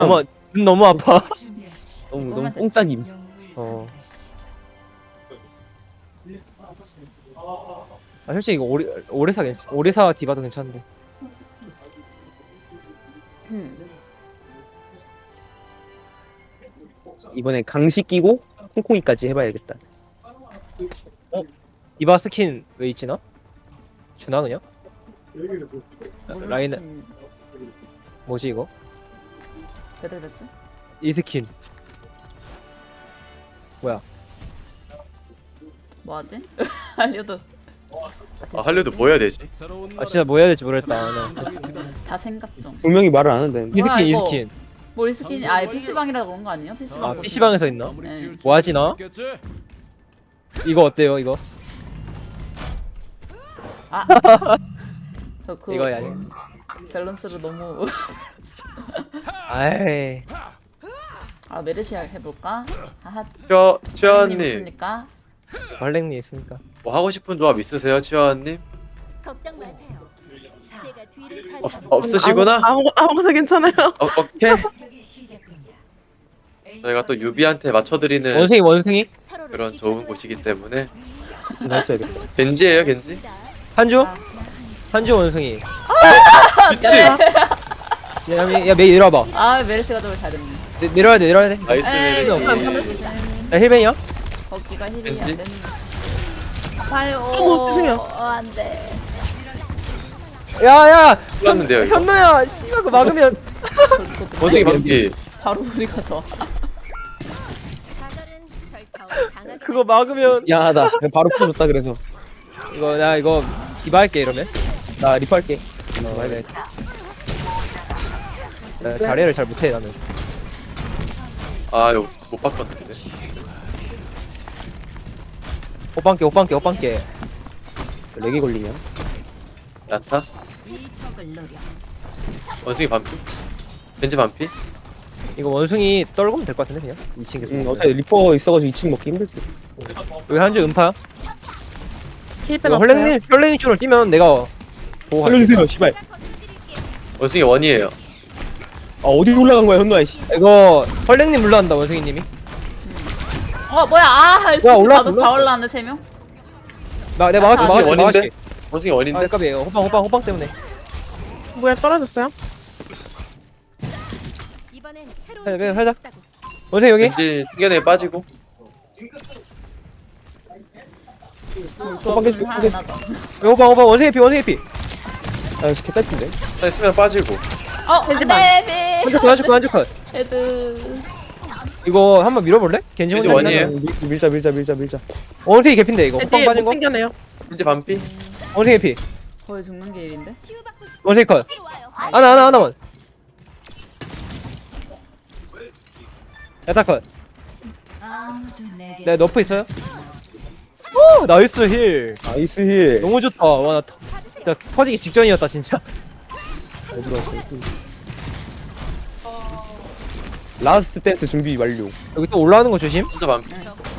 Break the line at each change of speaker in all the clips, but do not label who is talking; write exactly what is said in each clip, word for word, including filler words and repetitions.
너무 눈 너무 아파.
너무 너무 뽕짜님.
어. 아 솔직히 이거 오리 오리사 괜찮 오리사 디바도 괜찮은데.
음.
이번에 강시 끼고 콩콩이까지 해봐야겠다.
디바 스킨 왜 있지나? 주나 그냥?
무슨
라인
스킨?
뭐지 이거?
배틀베스?
이 스킨 뭐야?
뭐하지? 알려도
아 할려도 뭐 해야 되지?
아 진짜 뭐 해야 될지 모르겠다. 나.
다 생각 좀.
분명히 말을 안 한다는데.
이
뭐야,
스킨 이
이거?
스킨.
뭘 스킨이 아예 피시방이라고 그런 거 아니에요? 피시방.
아 피시방에서 있나?
네.
뭐 하지 나? 이거 어때요 이거?
아. 저그
이거 아니?
밸런스를 너무
아이
아 메르시 해볼까? 하하.
치아
님
치아님
있습니까?
발랭리 있으니까.
뭐 하고 싶은 조합 있으세요, 치아님?
걱정 마세요. 제가 뒤를
어,
타서
없으시구나?
아무 아무거나 괜찮아요.
어, 오케이. 저희가 또 유비한테 맞춰드리는
원숭이 원숭이
그런 좋은 곳이기 때문에
진짜 했어야겠다.
겐지예요, 겐지?
한주
아.
한주 원숭이.
미치.
야야 야, 메이 내려와봐.
아 메르시가 더 잘했네.
내, 내려야 돼 내려야 돼.
나이스
에이,
메르시.
나 힐벤이야?
거기가 힐이
왠지?
안 되는. 봐요.
어머, 죄송해요.
어, 안 돼.
야야
끝났는데요, 이거?
현노야 씨발 그거 막으면
원숭이 반피.
바로 우리가 더.
가절은 절타오 강하게
그거 막으면
미안하다. 그냥 바로 풀어줬다 그래서.
이거 나 이거 디바 할게 이러면.
나 리프할게.
어, 네. 나 자리를 잘 못해 나는.
아 이거 못 바꿨는데.
호빵게 호빵게 호빵게.
렉이 걸리냐?
야타.
이 적을 노려.
원숭이 반피. 겐지 반피.
이거 원숭이 떨구면 될 것 같은데 그냥 이 층 계속.
응, 어차피 리퍼 있어가지고 이 층 먹기 힘들 듯.
여기 한주 음파.
힐pen
이거
없어요.
헐랭님 헐랭이 쪽으로 뛰면 내가 보고 갈게.
살려주세요, 씨발.
원숭이 원이에요.
아 어디 올라간 거야, 현노아 씨.
이거 헐랭님 물러간다 원숭이님이.
어 뭐야? 아
뭐야, 올라왔어,
나도 다
올라왔어.
올라왔네 세 명.
나 내가 막아줄게
아,
막아줄게
원인데?
막아줄게.
원숭이 원인데.
아 까비 호빵 호빵 호빵 때문에.
뭐야 떨어졌어요?
이번엔
해,
새로운
해, 하자.
있다고.
원숭이 여기.
겐지 튕겨내 빠지고.
호빵 해줄게, 호빵 해줄게.
하나 더.
여기 호빵 호빵 원숭이 피 원숭이 피.
아, 진짜 개딸핀데.
아니 수면 빠지고.
어 안돼.
한주 컷 한주 컷 한주 컷.
헤드.
이거 한번 밀어볼래? 겐지
겐지
혼자
원이에요.
밀면-
밀- 밀자, 밀자, 밀자, 밀자.
원숭이 개핀데 이거 호빵
애들
빠진
못
거.
땡겨내요.
겐지 반피.
원숭이 피.
거의 죽는 게 일인데.
치유받고 싶은
원숭이 컷.
이리 와요.
하나 하나 하나만. 야타 컷.
아무도 내게
네 너프 있어요? 오 나이스 힐.
나이스 힐.
너무 좋다. 와나 진짜 터지기 직전이었다 진짜.
어디로 왔어? 라스트 댄스 준비 완료.
여기 또 올라오는 거 조심.
혼자 반피.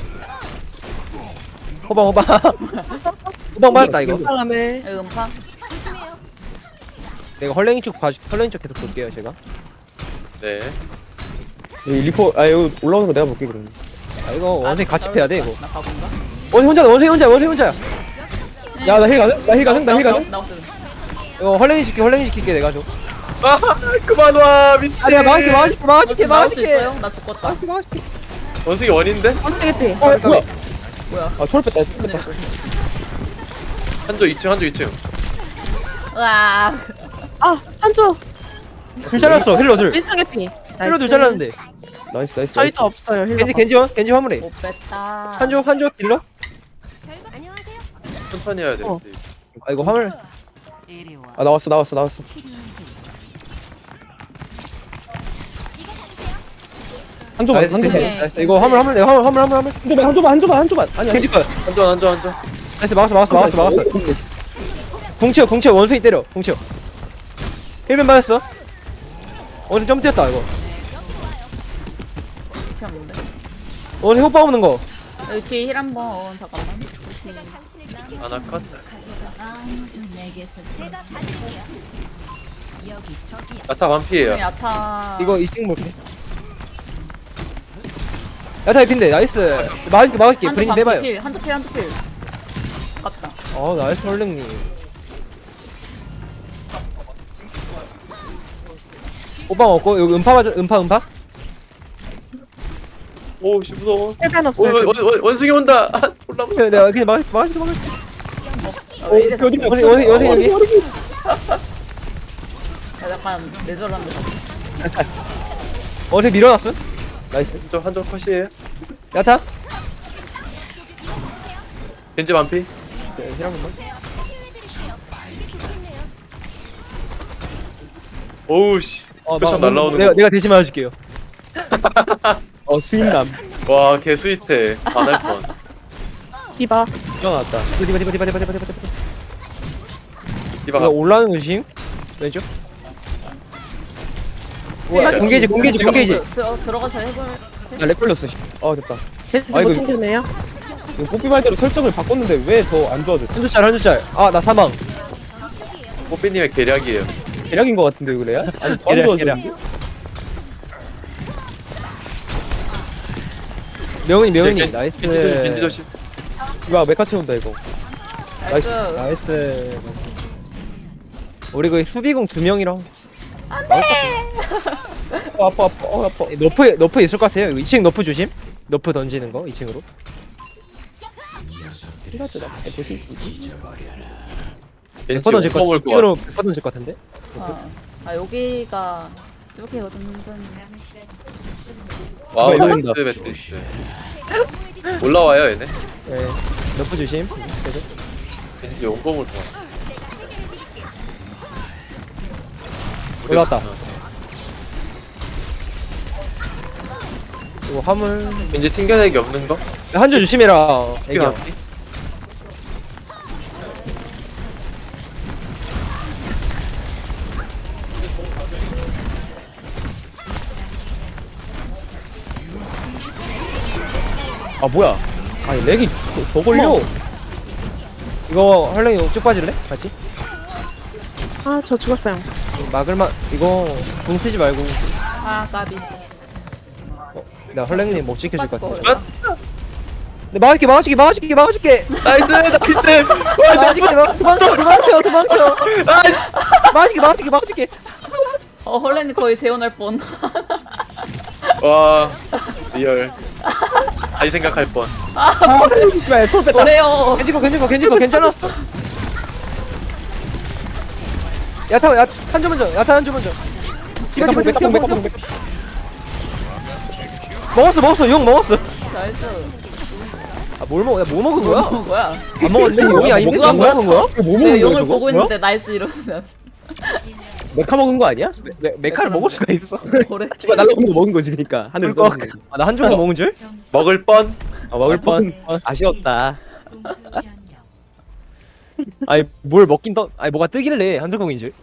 호방 호방. 호방 맞았다 이거.
이상하네.
여기 음파.
조심해요.
내가 헐랭이 쪽 봐주. 헐랭이 쪽 계속 볼게요 제가.
네.
여기 리퍼, 아 여기 올라오는 거 내가 볼게 그러면.
아 이거 원숭이 같이 패야 돼 이거.
나 가본가?
원숭이 혼자 원숭이 혼자 원숭이 혼자야.
야, 나 힐 가능? 나 힐 가능? 나 힐 가능?
나 없어.
이거 헐랭이 시킬게 헐랭이 시킬게 내가 좀.
아 그만 와 미치.
아니야 막아줄게 막아줄게 막아줄게
나올 수
막아줄게.
있어요? 나 죽었다.
막아줄게 막아줄게.
원숭이 원인데?
어떻게 피?
어, 뭐야?
뭐야?
아, 초월 뺐다, 초월 뺐다.
한조 이 층 한조 이 층.
으아.
아 한조
힐 잘랐어 힐러 둘.
일상의 피.
힐러 둘 잘랐는데.
나이스, 나이스.
저희도 없어요 힐러.
겐지 겐지원 겐지 화물해.
못 뺐다.
한조 한조 딜러.
별거 안녕하세요.
천천히 해야 돼.
어.
아 이거 화물.
이리 와.
아, 나왔어, 나왔어, 나왔어. 한 조만, 한
나이스
조만.
네.
나이스. 이거 화물 화물 내 화물 화물 화물 화물.
한 조만, 한 조만, 한 조만, 한 조만. 아니야.
겐지 컷.
한조 한조 한조.
나이스 막았어 막았어 막았어 막았어. 공치어 공치어 원숭이 때려 공치어. 힐벤 맞았어. 원숭이 점 뛰었다 이거.
피었는데.
원숭이 호빠 없는 거.
여기 뒤에 힐 한번 잠깐만.
제가 당신을 지키겠습니다.
하나 컷.
아무도 내게서 제가 받을게요. 여기 저기야.
야타 반피예요.
야타.
이거 이 층 볼게. 야타 에핀데 나이스. 막을게 막을게.
한쪽
브린
반피
해봐요.
필, 한쪽 필, 한쪽 필. 아깝다.
어 나이스 헐랭님. 오빠 먹고 여기 음파 맞아 음파 음파.
오씨 무서워.
힐벤
오,
없어요.
원, 원, 원, 원숭이 온다. 아, 올라온다.
네, 내가 그냥 막을게 막을게 막을게.
아, 왜 이래?
어디 어디 어디 어디 여기.
야, 약간 내절한데.
어제 밀어놨어. 나이스.
한쪽 한쪽 컷이에요.
야타.
겐지 반피.
네, 힐한 번만.
오우씨.
어,
표창
막-
날라오는
내가
거.
내가 대신 맞아줄게요.
어 수인남
와, 개 스윗해. 안할 뻔.
디바.
일어났다.
디바 디바 디바 디바 디바 디바 디바.
디바가
이거 올라오는 거 조심. 왼쪽. 우와,
야,
공개지 공개지 공개지.
들어, 들어가서 해볼.
나렉 걸렸어. 씨. 어 됐다.
벤지
아,
못
이거-
챙겼네요.
이거 뽀삐 말대로 설정을 바꿨는데 왜 더 안 좋아졌지?
한 줄짤 한 줄짤. 아 나 사망.
뽀삐님의 계략이에요.
대략인 것 같은데 이거 레야? 아니 더 안
계략,
좋아졌는데?
명은이 명은이
겐-
나이스.
겐지 조심, 겐지 조심.
이거 메카 채운다 이거.
나이스.
나이스. 우리 그 수비공 두 명이랑
어, 아파 아파 어 아파.
너프 너프 있을 것 같아요. 이 층 너프 조심. 너프 던지는 거 이 층으로.
이라도 나 보시.
겐지
백 던질 것
올
같아.
것 같아.
층으로 백 던질 것 같은데.
아, 아 여기가 뚜벅이거든.
와우,
이거
나이스
이긴다.
매트리스. 올라와요, 얘네.
네. 너프 조심. 계속.
겐지 용검을 좋아.
올라왔다. 이거 화물.
겐지 튕겨내기 없는 거?
한 줄 조심해라. 애기 형.
아 뭐야? 아니 렉이 더, 더 걸려.
이거 헐랭이 쭉 빠질래? 같이?
아, 저 죽었어요.
막을만 이거 궁 쓰지 말고.
아 까비.
어, 나 헐랭님 못 지켜줄 것 같아.
거야.
네, 막아줄게 막아줄게 막아줄게 막아줄게.
나이스, 나이스.
막아줄게 막 도망쳐 도망쳐 도망쳐. 막아줄게 막아줄게 막아줄게.
어 헐렌이 거의 재혼할 뻔.
와, 리얼. 다시 생각할 뻔.
씨발 손 뺐다.
그래요.
괜찮고 괜찮고 괜찮고 괜찮았어. 야타 야한 점 먼저 야타 한 점 먼저. 디바 디바 디바 디바 디바 디바. 먹었어 먹었어 용 먹었어.
나이스.
아뭘 먹어? 야뭐 먹은 거야?
뭐야?
안 먹었는데 용이 아닌데
뭐가
뭐 먹은 거야?
이거 뭐
내가
먹는 거야
용을
저거?
보고
뭐야?
있는데 나이스 이러면
메카 먹은 거 아니야?
메, 메카를 먹을 수가 있어.
그래.
디바 날라오는 거 먹은 거지 그니까 하늘
그거
떠.
아, 나 한 조각 먹은 줄?
먹을 뻔.
아 먹을 뻔. 아쉬웠다.
공수 변경.
아니 뭘 먹긴 떠 아니 뭐가 뜨길래 한 조각인 줄.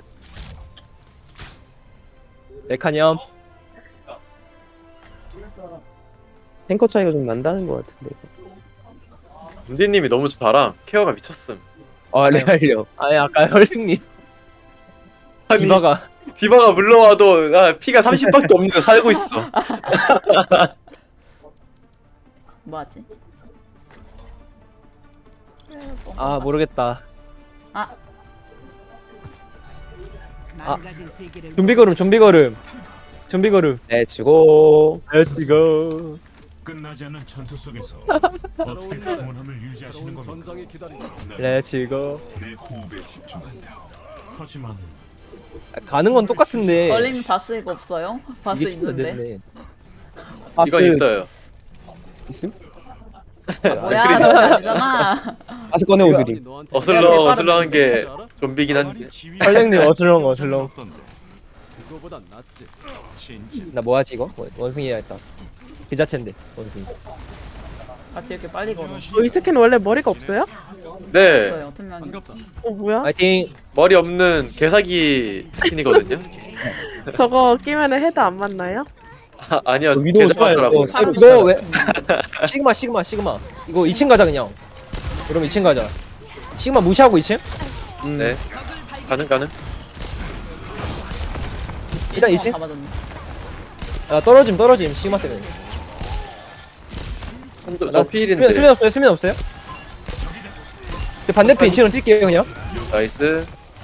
메카념.
탱커 차이가 좀 난다는 거 같은데.
은디님이 너무 잘함. 케어가 미쳤음.
아 레알려.
아니 아까 헐승님
아니,
디바가
디바가 물러와도 아, 피가 삼십밖에 없는데 살고 있어.
뭐하지?
아 모르겠다.
아
망가진 세계를
좀비 걸음 좀비 걸음 좀비 걸음.
렛츠고.
렛츠고.
끝나지 않는 전투 속에서 어떻게 평온함을 유지하시는 겁니까?
렛츠고.
내 호흡에 집중한다. 하지만
가는 건 똑같은데.
헐렌 바스 이거 없어요? 바스
이게 좀
있는데.
늦네.
이건 있어요.
있음?
뭐야? 그거 아니잖아.
아스 꺼내 오드림.
어슬렁
내가
어슬렁한 게 좀비긴 한데.
헐랭님 어슬렁 어슬렁.
그거보단 낫지.
나 뭐하지 이거? 원- 원숭이 해야겠다. 그 자체인데 원숭이.
같이 이렇게 빨리 걸어.
어, 이 스킨 원래 머리가 없어요?
네,
없어요. 투명이.
어, 뭐야?
파이팅.
머리 없는 개사기 스킨이거든요.
저거 끼면 헤드 안 맞나요?
아, 아니요,
위도우 좋아요.
개사기더라고.
어, 사이로
이거 왜? 시그마 시그마 시그마. 이거 이 층 가자 그냥. 그럼 이 층 가자. 시그마 무시하고 이 층?
음.
네, 가능 가능.
일단 이층.
다 맞았네.
아 떨어짐 떨어짐 시그마 때문에.
한도
나
저 필인데.
수면 수면 없어요 수면 없어요. 그 반대편 이 층으로 뛸게요 그냥.
나이스.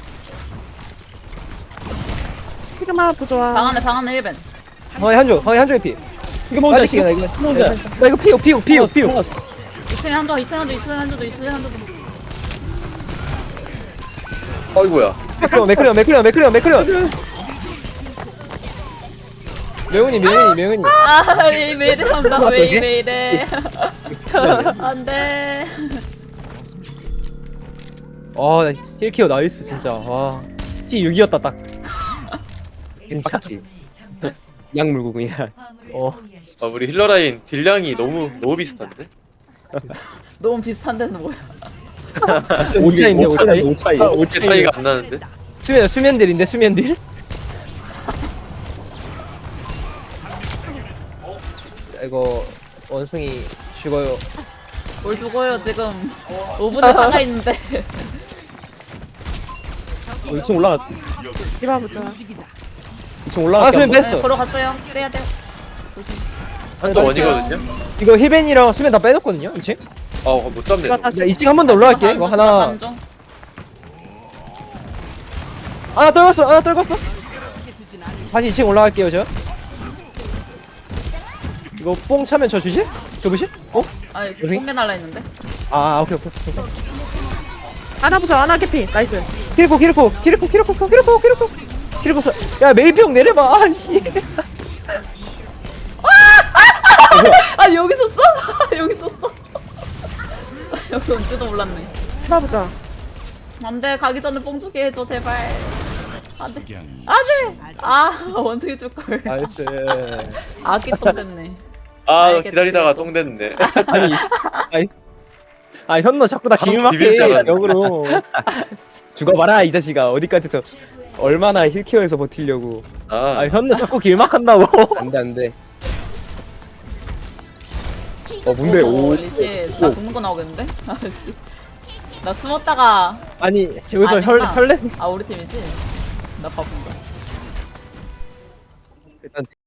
시그마 부조화.
방 안에 방 안에 일 벤.
방에 한조 방에 한조의 피.
이거 뭔지
맞지 나 이거
뭔지
나 이거 피우 피우 피우 피우.
이 층에 한조, 이 층에 한조, 이 층에 한조, 이 층에 한조.
어이구야.
매크리온 매크리온 매크리온 매크리온 매크리온. 명훈이 명훈이 명훈이.
아, 왜 이래 한다. 왜
어떡해?
이래 이래. 안 돼.
아나 힐키어 나이스 진짜. 와. 피 육이었다 딱. 진짜.
약 물고 그냥.
어.
아 우리 힐러 라인 딜량이 너무 너무 비슷한데?
너무 비슷한 데는 뭐야?
오차인데
오 차이,
오차이.
오 차이.
아,
어째 차이가 안 나는데?
수면 수면딜인데 수면딜. 이거 원숭이 죽어요.
뭘 죽어요 지금. 오 분에 살아 있는데.
어, 이 층 올라가.
디바 부조화.
이 층
아
올라가.
수면
네,
뺐어.
걸어갔어요. 빼야 돼요.
한도 원이거든요?
이거 힐벤이랑 수면 다 빼놨거든요 이 층.
아못 잡네.
디바
저거.
다시.
나 이 층 한 번 더 올라갈게. 이거 하나
반중.
하나 떨궜어 하나 떨궜어. 다시 이 층 올라갈게요 저. 이거 뽕 차면 저 주실? 저 부실? 어?
아,
여기?
뽕개 날라 있는데.
아 오케이 오케이 오케이.
아나 부조화. 아나 개피. 나이스.
키리코 키리코 키리코 키리코 키리코 키리코 키리코 써. 야 메이평 내려봐. 아씨.
아 여기 있었어? 여기 있었어. 여기 온지도 몰랐네.
디바 부조화.
안돼 가기 전에 뽕 주게 해줘 제발. 안돼. 안돼. 아 원숭이 줄 걸.
나이스.
아기 똥 됐네.
아
알겠지,
기다리다가
알겠지.
똥 됐네.
아니 아니 아 현너 자꾸 나
바로
길막해
비빌 줄 알았네.
역으로.
죽어봐라 이 자식아. 어디까지 더 얼마나 힐케어에서 버틸려고.
아
아
현너 자꾸 길막한다고.
안돼 안돼. 어 뭔데? 오.
리시 나 죽는 거 나오겠는데? 아씨. 나 숨었다가
아니 여기서 혈
아니구나.
혈내.
아 우리 팀이지? 나 바본가.
일단